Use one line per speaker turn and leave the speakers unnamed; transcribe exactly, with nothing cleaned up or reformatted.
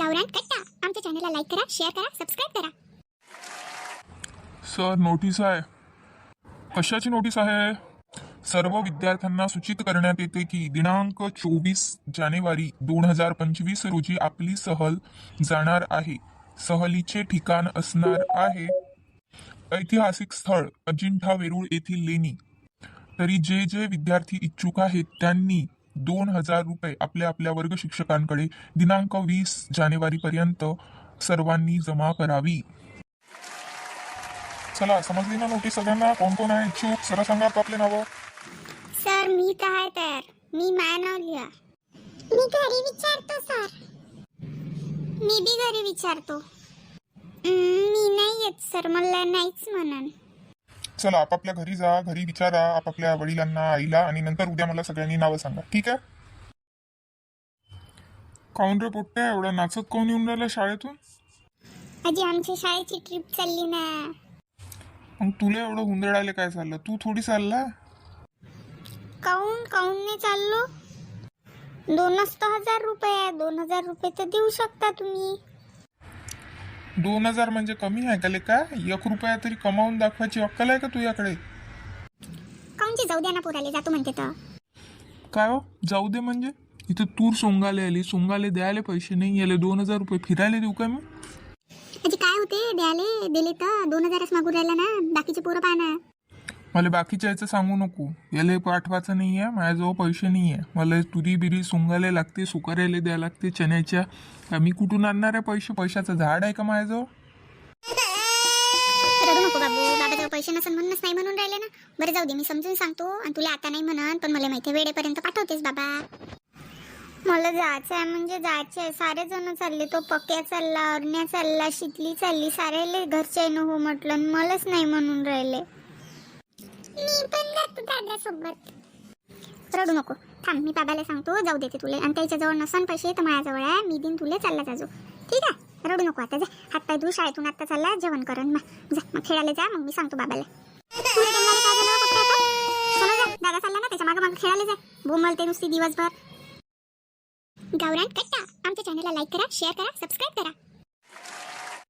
गावरान कट्टा आमच्या चॅनलला लाईक करा, शेअर करा, सबस्क्राईब करा.
सर, नोटीस आहे. कशाची नोटीस आहे? सर्व विद्यार्थ्यांना सूचित करण्यात येते की दिनांक चोवीस जानेवारी दोन हजार पंचवीस रोजी आपली सहल जाणार आहे. सहलीचे ठिकाण असणार आहे ऐतिहासिक स्थळ अजिंठा वेरूळ येथील लेणी. तरी जे जे विद्यार्थी इच्छुक आहेत त्यांनी दोन हजार रुपये आपल्या आपल्या वर्ग शिक्षकांकडे दिनांक वीस जानेवारी पर्यंत सर्वांनी जमा करावी. चला, समजली ना नोटीस सगळ्यांना? कोण कोण आहे इच्छुक? सर सांगा आपले नावं.
सर मी तर आहे तयार. मी माय नाव लिहा. मी घरी विचारतो सर. मी बी घरी विचारतो. मी नाही येत सर, मला नाहीच म्हणन.
चला, आपापल्या घरी जा, घरी विचारा आपापल्या वडिलांना, आईला, आणि नंतर उद्या मला सगळ्यांनी नावं सांगा, ठीक आहे? काऊन रे पोट्ट्या, एवढा नाचत कोण येऊन राहिला शाळेतून?
आजी आमच्या शाळेची ट्रिप चालली ना.
मग तुला एवढं हुंदडायला काय चाललं? तू थोडी चालला.
काऊन काऊन नाही चाललो? दोनच तर हजार रुपये आहे. दोन हजार रुपये तर देऊ शकता तुम्ही.
दोन हजार म्हणजे कमी आहे का लेका? एक रुपया तरी कमावून दाखवायची अक्कल आहे का तुझ्याकडे?
काऊनची जाऊ द्या ना, पोराले जातो म्हणते तर.
काय हो जाऊ दे म्हणजे? इथं तूर सोंगाले आली, सोंगाले द्यायला पैसे नाही याले दोन हजार रुपये फिरायला देऊ का मी?
आजी काय होते द्याले? दिले तर दोन हजारच मागून राहिला ना. बाकीचे पोरं पाहा.
मला बाकीच्या याचं सांगू नको. याला पाठवायचं नाही आहे, माझ्याजवळ पैसे नाही आहे. मला तुरी बिरी सोंगायला लागते, सुकारायला द्यायला लागते चण्याच्या. मी कुठून आणणार आहे पैसे? पैशाचं झाड आहे का माझ्याजवळ?
रडू नको बाबू, बाबाजवळ पैसे नसन म्हणूनच नाही म्हणून राहिले ना. बरं जाऊ दे, मी समजून सांगतो. आणि तुला आता नाही म्हणन, पण मला माहिती आहे वेळेपर्यंत पाठवतेस बाबा. मला जायचं आहे म्हणजे जायचं आहे. सारे जण चालले. तो पक्या चालला, अरण्या चालला, शीतली चालली. सारेले घरचे न हो म्हटलं, मलाच नाही म्हणून राहिले. मी पण जातो दादासोबत. रडू नको, थांब, मी बाबाला सांगतो जाऊ देते तुले. आणि त्याच्याजवळ नसन पैसे तर माझ्याजवळ आहे. मी दिन तुले चालला जाजो, ठीक आहे? रडू नको आता. जा हात पाय धू, शाळेतून आता चालला, जेवण करन. मग जा, मग खेळायला जा. मग मी सांगतो बाबाला. दादा चालला ना, त्याच्या मागे मागे खेळायला जा. बोंबलते नुसती दिवसभर. गावरान कट्टा आमच्या चॅनलला लाईक करा, शेअर करा, सबस्क्राईब करा.